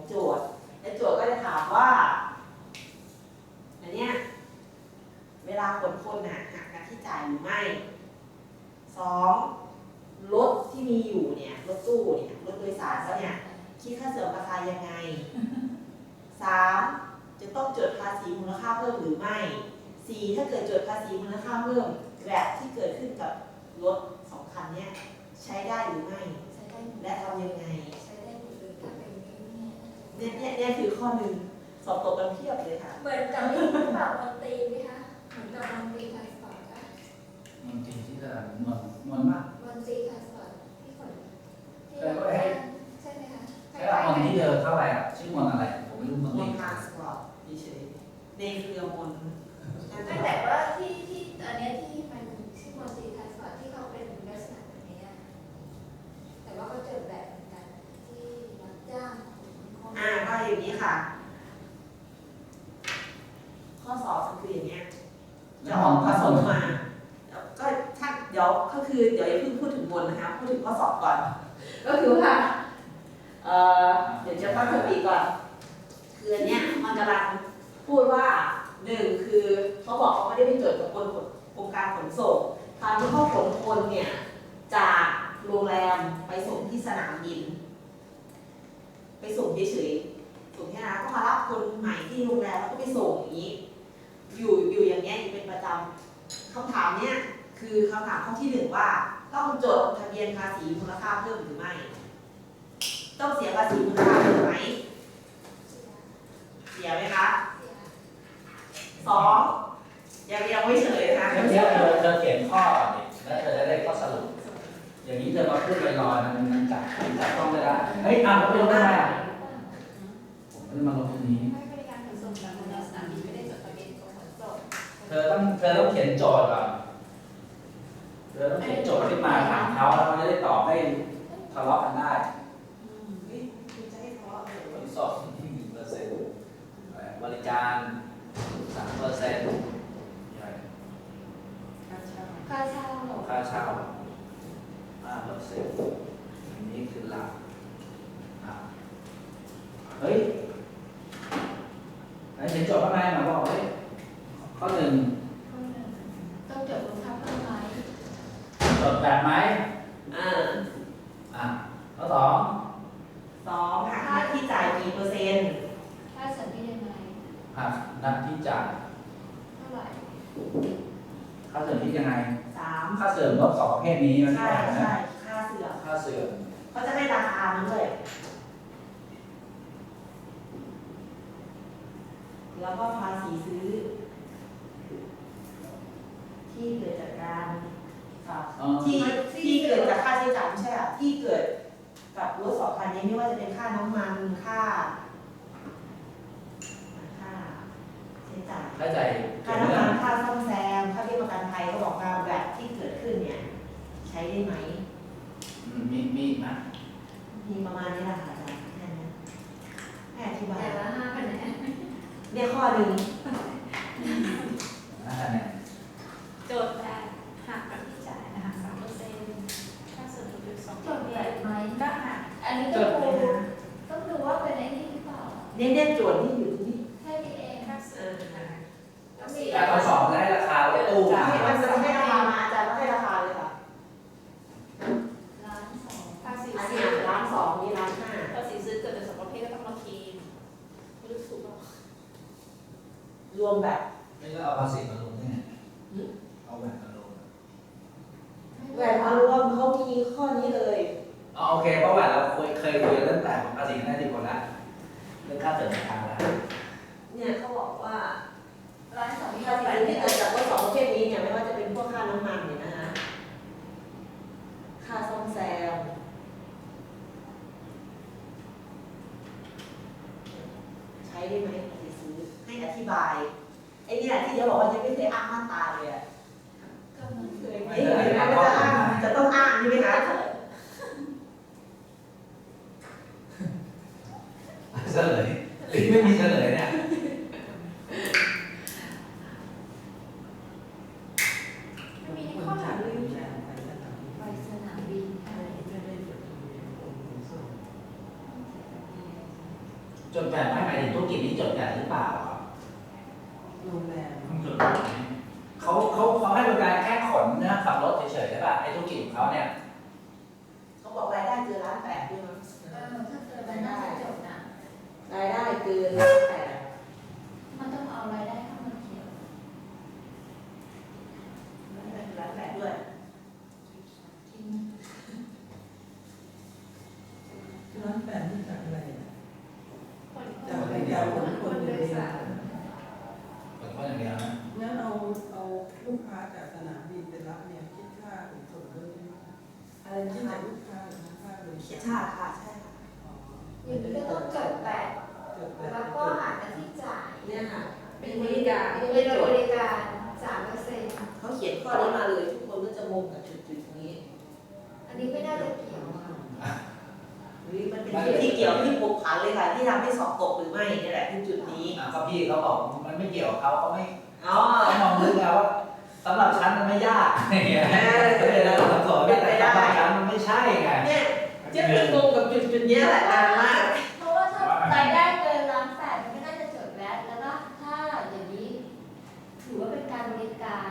โจทย์และโจทย์ก็จะถามว่าอันเนี้ยเวลาขนคนน่ะหักค่าที่จ่ายหรือไม่2รถที่มีอยู่เนี่ยรถตู้เนี่ยรถโดยสารเขาเนี่ยคิดค่าเสื่อมราคายังไง3จะต้องจดภาษีมูลค่าเพิ่มหรือไม่4ถ้าเกิดจดภาษีมูลค่าเพิ่มแบบที่เกิดขึ้นกับรถ2คันเนี่ยใช้ได้หรือไม่และทำยังไงเนี่ยคือข้อหนึ่งสอบตกกันเพียบเลยค่ะเหมือนกับนี่แบบมนตรีไหมคะเหมือนกับมนตรีทรานสปอร์ตอะมนตรีที่จะมนมากมนตรีทรานสปอร์ตที่ขนที่ใช่ไหมคะใช่มนที่เดินเข้าไปอ่ะชื่อมนอะไรผมไม่รู้มนตรีทรานสปอร์ตเฉยในเครือมนแต่ว่าที่อันนี้ที่มันชื่อมนตรีทรานสปอร์ตที่เขาเป็นลักษณะแบบนี้แต่ว่าเขาเจอแบบเหมือนกันที่รับจ้างก็อย่างนี้ค่ะข้อสอบมันคืออย่างเงี้ยจะออกผสมมาก็ถ้าเดี๋ยวก็คือเดี๋ยวอย่าเพิ่งพูดถึงบนนะคะพูดถึงข้อสอบก่อนก็คือว่าเดี๋ยวจะตั้งสติก่อนคืออันเนี้ยมันกำลังพูดว่า1คือเขาบอกเขาไม่ได้ไปจดกับกรมการขนส่งตอนที่เขาขนคนเนี่ยจากโรงแรมไปส่งที่สนามบินไปส่งเฉยๆส่งแค่นั้นก็มารับคนใหม่ที่โรงแรมแล้วก็ไปส่งอย่างนี้อยู่อย่างเงี้ยอยู่เป็นประจำคำถามเนี้ยคือคำถามข้อที่1ว่าต้องจดทะเบียนภาษีมูลค่าเพิ่มหรือไม่ต้องเสียภาษีมูลค่าเพิ่มไหมเสียไหมคะ2ยังไม่เฉลยนะคะเดี๋ยวเธอเขียนข้อดิแล้วเธอจะได้ข้อสรุปอย่างนี้เธอมาพูดลอยๆมันจับต้องไม่ได้เฮ้ยอ่านแล้วเป็นได้ไหมผมไม่ได้มาลงตรงนี้เธอต้องเขียนโจทย์ก่อนเธอต้องเขียนโจทย์ขึ้นมาถามเขาแล้วเขาจะได้ตอบได้ทะเลาะกันได้ขนส่ง1%บริการ3% ค่าเช่า 5%อันนี้คือหลักเฮ้ยไหนเขียนโจทย์ข้างในมาบอกเฮ้ยข้อ1 ต้องจดมูลค่าเพิ่มไหมจดแบบไหมข้อ2 หักหน้าที่จ่ายกี่เปอร์เซ็นต์ค่าเสริมที่ยังไงหักหน้าที่จ่ายเท่าไหร่ค่าเสริมที่ยังไง 3 ค่าเสริมรถ2ประเภทนี้มันใช่ค่าเสื่อมเขาจะได้ราคามันด้วยแล้วก็ภาษีซื้อที่เกิดจากการที่เกิดจากค่าใช้จ่ายไม่ใช่ที่เกิดกับรถ2คันนี้ไม่ว่าจะเป็นค่าน้ำมันค่าใช้จ่ายค่าน้ำมันค่าซ่อมแซมค่าเบี้ยประกันภัยเขาบอกว่าแบบที่เกิดขึ้นเนี่ยใช้ได้ไหมมีไหมมีประมาณนี้แหละค่ะอาจารย์แค่นี้ให้อธิบายแต่ละ5คะแนนเนี่ยข้อหนึ่งโจทย์แบบหักค่าที่จ่ายหัก3%ค่าส่วนลด2%โจทย์แบบไหมก็หักอันนี้ก็ต้องดูว่าเป็นไอ้นี่หรือเปล่าเนี่ยโจทย์ที่อยู่ที่แค่นี้เองค่าส่วนการทดสอบได้ราคารถตู้มันจะให้ราคามาอาจารย์ก็ให้ราคาเลยค่ะ 1,200,000ภาษีอันนี้1,200,000นี่1,500,000 ภาษีซื้อเกิดจาก2ประเภทก็ต้องมาคีมไม่รู้ถูกหรอรวมแบบไม่ก็เอาภาษีมาลงเนี่ยเอาแหวนมาลงแหวนมารวมเขามีข้อนี้เลยโอเคเพราะแหวนเราเคยคุยเรื่องแต่ของภาษีได้ที่คนละเรื่องค่าเสริมราคาแล้วเนี่ยเขาบอกว่า 1,200,000 ภาษีที่เกิดจากรถ2ประเภทนี้เนี่ยไม่ว่าจะเป็นพวกค่าน้ำมันเนี่ยนะคะค่าซ่อมแซมใช้ได้ไหมภาษีซื้อให้อธิบายไอ้เนี่ยที่เดี๋ยวบอกว่ายังไม่เคยอ้างมาตราเลยอ่ะก็มันเคยไม่เคยนะจะต้องอ้างใช่ไหมคะเฉลยหรือไม่มีเฉลยเนี่ยมีข้อถามเลยไปสนามบินจดแบบไม่หมายถึงธุรกิจนี้จดแบบหรือเปล่าครับโรงแรมต้องจดแบบนี้เขาให้บริการแค่ขนนะขับรถเฉยๆใช่ป่ะไอ้ธุรกิจของเขาเนี่ยเขาบอกรายได้เกิน1,800,000ด้วยมั้งถ้าเกิดมันน่าจะจบนะรายได้เกิน1,800,000 มันต้องเอารายได้เข้ามาเกี่ยว 1,800,000ด้วยทิ้ง 1,800,000นี่จากอะไรอ่ะคนจากรายการของคนโดเดียยวสารขนเขาอย่างเดียวนะงั้นเอาลูกค้าจากสนามบินไปรับเนี่ยคิดค่าขนส่งด้วยใช่ไหมคะอะไรนะคิดคะจากลูกค้าหรือค่าบริเขียกาน รชาติค่ะใช่ค่ะอ๋ออย่างนี้ก็ต้องจดแบบจดแบบแล้วก็หารกันที่จ่ายเนี่ยค่ะเป็นบริการเป็นบริการ3% เขาเขียนข้อนี้มาเลยทุกคนก็จะงงกับจุดๆนี้อันนี้ไม่น่าจะเกี่ยวอะหรือมันเป็นจุดที่เกี่ยวที่ผูกพันเลยค่ะที่ทำให้สอบตกหรือไม่นี่แหละคือจุดนี้ก็พี่เขาบอกมันไม่เกี่ยวกับเขาเขาไม่อ๋อเขามองลึกแล้วว่าสำหรับฉันมันไม่ยากอย่างเงี้ยแล้วสับสนแต่สำหรับฉันมันไม่ใช่ไงเนี่ยเจ๊เป็นงงกับจุดๆเนี้ยแหละนานมากเพราะว่าถ้ารายได้เกิน1,800,000มันก็น่าจะจดแวตแล้วก็ถ้าอย่างนี้ถือว่าเป็นการบริการ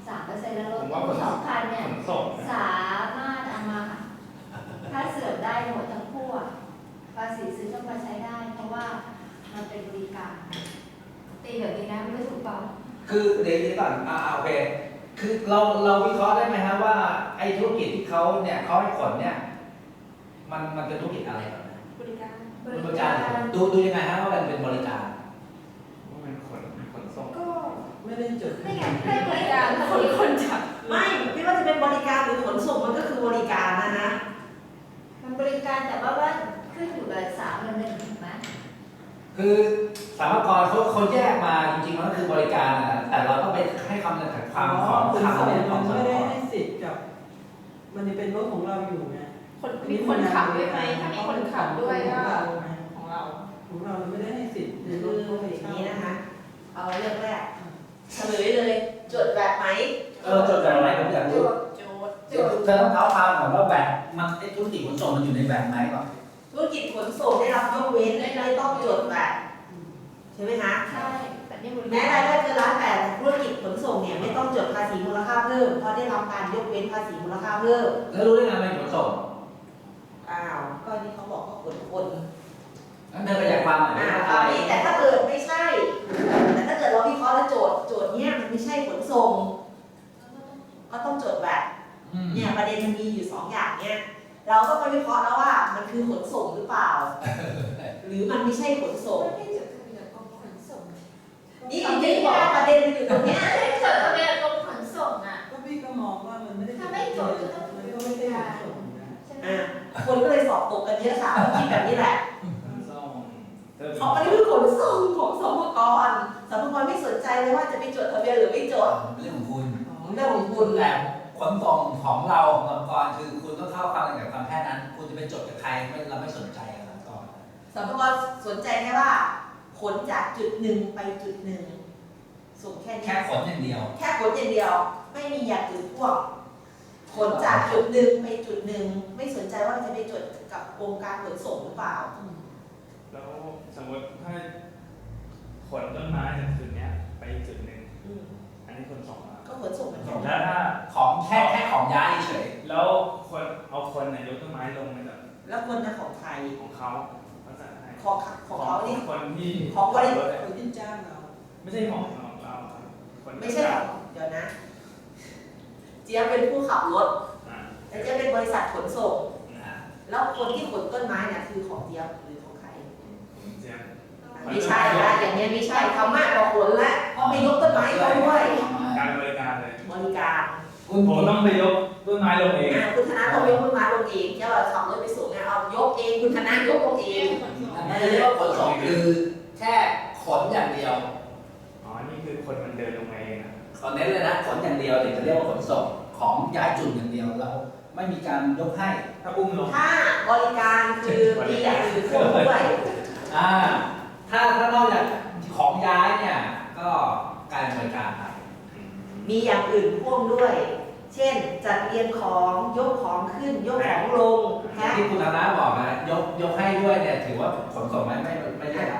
3%แล้วรถตู้2,000เนี่ยขนส่งนะสามารถเอามาถ้าเสื่อมได้หมดทั้งคู่อะภาษีซื้อต้องมาใช้ได้ เพราะว่ามันเป็นบริการตีแบบนี้นะไม่ถูกเปล่าคือเดี๋ยวนี้ก่อนโอเคคือเราวิเคราะห์ได้ไหมครับว่าไอ้ธุรกิจที่เขาเนี่ยเขาให้ขนเนี่ยมันเป็นธุรกิจอะไรก่อนนะบริการบริการดูยังไงฮะว่ามันเป็นบริการว่าเป็นขนส่งก็ไม่ได้จดไม่ไงให้บริการคนจับไม่ว่าจะเป็นบริการหรือขนส่งมันก็คือบริการนะมันบริการแต่ว่าขึ้นอยู่กับ3 ถูกไหมคือสามกรเขาแยกมาจริงๆมันก็คือบริการนะแต่เราต้องไปให้คำจำกัดความของขนคำส่งเนี่ยขมัองนสามไม่ได้กรให้สิทธิ์กับ มันจะเป็นรถของเราอยู่ไงมีคนขับด้วยไหมถ้ามีคนขับด้วยก็ของเราไม่ได้ให้สิทธิ์ในคือรถเขาไปอย่างเช่านี้นะคะเอาเรื่องแรกเฉลยเลยจดแบบไหมจดแบบไหนผมอยากรู้โจทย์เดี๋ยวเธอต้องเท้าความก่อนว่าแบบมันไอ้ธุรกิจขนส่งมันอยู่ในแบบไหนก่อนธุรกิจขนส่งได้รับยกเว้นไม่ต้องจดแบบใช่ไหมคะใช่แต่นี่บริแม้การรายได้เกิน1,800,000ธุรกิจขนส่งเนี่ยไม่ต้องจดภาษีมูลค่าเพิ่มเพราะได้รับการยกเว้นภาษีมูลค่าเพิ่มแล้วรู้ได้ไงมันขนส่งอ้าวก็นี่เขาบอกว่าขนคนงั้นเธอขยายความหน่อยตอนนี้แต่ถ้าเกิดไม่ใช่ แต่ถ้าเกิดเราวิเคราะห์แล้วโจทย์เนี้ยมันไม่ใช่ขนส่งก็ต้องจดแบบเนี่ยประเด็นมันมีอยู่2อย่างเนี่ยเราก็มาวิเคราะห์แล้วว่ามันคือขนส่งหรือเปล่า หรือมันไม่ใช่ขนส่งไม่ได้จดทะเบียนกรมขนส่งนี่จริงๆบอกประเด็นมันอยู่ตรงเนี้ยไม่ได้จดทะเบียนกรมขนส่งอ่ะก็พี่ก็มองว่ามันไม่ได้ถ้าไม่จดก็ต้องมันก็ไม่ได้ขนส่งนะใช่ไหมคนก็เลยสอบตกกันเยอะค่ะคิดแบบนี้แหละขนส่งเพราะมันคือขนส่งของสมกรสมกรไม่สนใจเลยว่าจะไปจดทะเบียนหรือไม่จดเรื่องของคุณเรื่องของคุณแต่ขนส่งของเราขององค์กรคือคุณต้องเข้าความกับความแค่นั้น คุณจะไปจดกับใครเราไม่สนใจกับก่อนสมกรสนใจแค่ว่าขนจากจุดหนึ่งไปจุดหนึ่งส่งแค่นี้แค่ขนอย่างเดียวแค่ขนอย่างเดียว ไม่มีอย่างอื่นพ่วงขนจากจุดหนึ่งไปจุดหนึ่งไม่สนใจว่าจะไปจดกับองค์การขนส่งหรือเปล่าแล้วสมมติถ้าขนต้นไม้จากจุดเนี้ยไปจุดหนึ่งอืมอันนี้ขนส่งแล้วก็ขนส่งเหมือนกันแล้วถ้าของแค่ของย้ายเฉยแล้วคนเอาคนในยกต้นไม้ลงมาจากแล้วคนนะของไทยของเขาภาษาไทยของเขานี่คนที่ของบริขัรถอะคนที่จ้างเราไม่ใช่ของเราครับคนไม่ใช่ของเดี๋ยวนะ เจี๊ยบเป็นผู้ขับรถอ่าแต่เจี๊ยบเป็นบริษัทขนส่งอ่าแล้วคนที่ขนต้นไม้เนี่ยคือของเจี๊ยบหรือของใครเจี๊ยบไม่ใช่ละอย่างเนี้ยไม่ใช่ทำมากกว่าขนละเพราะไปยกต้นไม้เขาด้วยการบริการเลยบริการคุณผมต้องไปยกต้นไม้ลงเองคุณธนาต้องยกต้นไม้ลงเองเจ้าขับรถไปส่งเนี่ยเอายกเองคุณธนายกลงเองนั่นเรียกว่าขนส่งคือแค่ขนอย่างเดียวอ๋อ นี่คือคนมันเดินลงมาเองนะขอเน้นเลยนะขนอย่างเดียวถึงจะเรียกว่าขนส่งของย้ายจุดอย่างเดียวเราไม่มีการยกให้ถ้าอุ้มลงถ้าบริการคือมีอย่างอื่นควบด้วยถ้านอกจากของย้ายเนี่ยก็การบริการไปมีอย่างอื่นพ่วงด้วย เช่น จัดเรียงของยกของขึ้นยกของลงอย่างที่คุณธนาบอกนะยกให้ด้วยเนี่ยถือว่าขนส่งไม่ได้ละ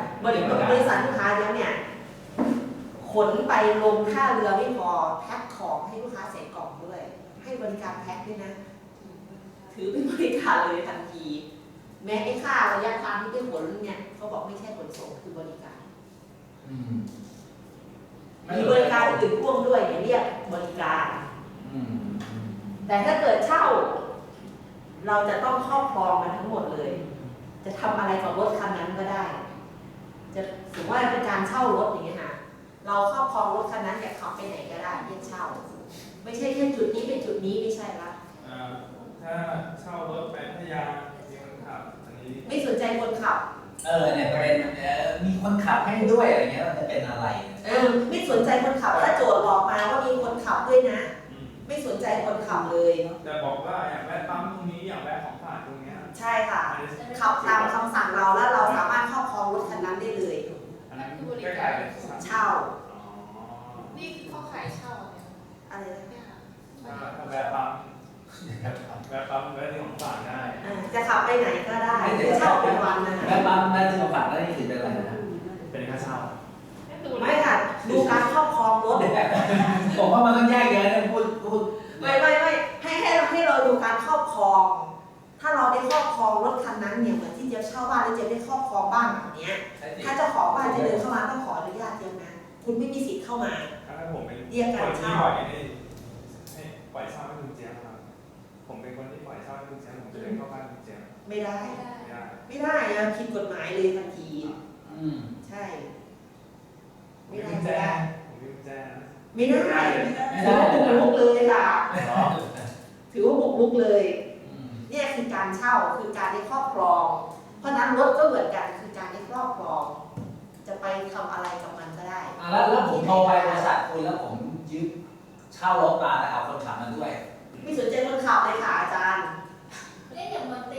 บริษัทลูกค้าแล้วเนี่ยขนไปลงท่าเรือไม่พอแพ็คของให้ลูกค้าใส่กล่องด้วย ให้บริการแพ็คด้วยนะ ถือเป็นบริการเลยทันที แม้ไอ้ค่าระยะทางที่ไปขนเนี่ยเขาบอกไม่ใช่ขนส่งคือบริการอืมมีบริการอื่นพ่วงด้วยเนี่ยเรียกบริการอืมแต่ถ้าเกิดเช่า เราจะต้องครอบครองมันทั้งหมดเลย จะทำอะไรกับรถคันนั้นก็ได้ จะถือว่าเป็นการเช่ารถอย่างเงี้ยค่ะเราครอบครองรถคันนั้นอยากขับไปไหนก็ได้เรียกเช่า ไม่ใช่แค่จุดนี้เป็นจุดนี้ไม่ใช่ละถ้าเช่ารถไปพัทยามีคนขับอันนี้ไม่สนใจคนขับเนี่ยประเด็นมีคนขับให้ด้วยอะไรเงี้ยมันจะเป็นอะไรไม่สนใจคนขับถ้าโจทย์บอกมาว่ามีคนขับด้วยนะ ไม่สนใจคนขับเลยแต่บอกว่าอยากแวะปั๊มตรงนี้อยากแวะของฝากตรงเนี้ยใช่ค่ะอันนี้ขับตามคำสั่งเราแล้วเราสามารถครอบครองรถคันนั้นได้เลยอันนั้นใกล้ๆเลยเช่าอ๋อนี่คือเขาขายเช่าเนี่ยอะไรนะเนี่ยค่ะถ้าแวะปั๊มแวะปั๊มแวะที่ของฝากได้จะขับไปไหนก็ได้เช่าเป็นวันนะแม่ปั๊มแม่ที่มาฝากได้นี่ถือเป็นอะไรนะเป็นค่าเช่าไม่ค่ะ ดูการครอบครองรถผมว่ามันต้องแยกแยะนะพูดไม่ให้เราดูการครอบครอง ถ้าเราได้ครอบครองรถคันนั้นเนี่ยเหมือนที่เจี๊ยบเช่าบ้านแล้วเจี๊ยบได้ครอบครองบ้านหลังเนี้ย ถ้าเจ้าของบ้านจะเดินเข้ามาต้องขออนุญาตเจี๊ยบนะ คุณไม่มีสิทธิ์เข้ามาถ้าผมเป็นเรียกคการนที่เช่าปล่อยให้ปล่อยเช่าให้คุณเจี๊ยบครับผมเป็นคนที่ปล่อยเช่าให้คุณเจี๊ยบผมจะเดินเข้าบ้านคุณเจี๊ยบไม่ได้ไม่ได้ไม่ได้ไม่ได้นะผิดกฎหมายเลยทันทีอืมใช่ผมไม่มีได้กุญแจไม่ได้ผมมีกุญแจนะไม่ได้ไม่ได้ถือว่าบุกรุกเลยค่ะอ๋อถือว่าบุกรุกเลยอืมเนี่ยคือการเช่าคือการได้ครอบครอง เพราะนั้นรถก็เหมือนกันคือการได้ครอบครอง จะไปทำอะไรกับมันก็ได้แล้วผมโทรไปบริษัทคุณแล้วผมยืมเช่ารถมาแต่เอาคนขับมาด้วยไม่สนใจคนขับเลยค่ะอาจารย์เนี่ยอย่างมันเต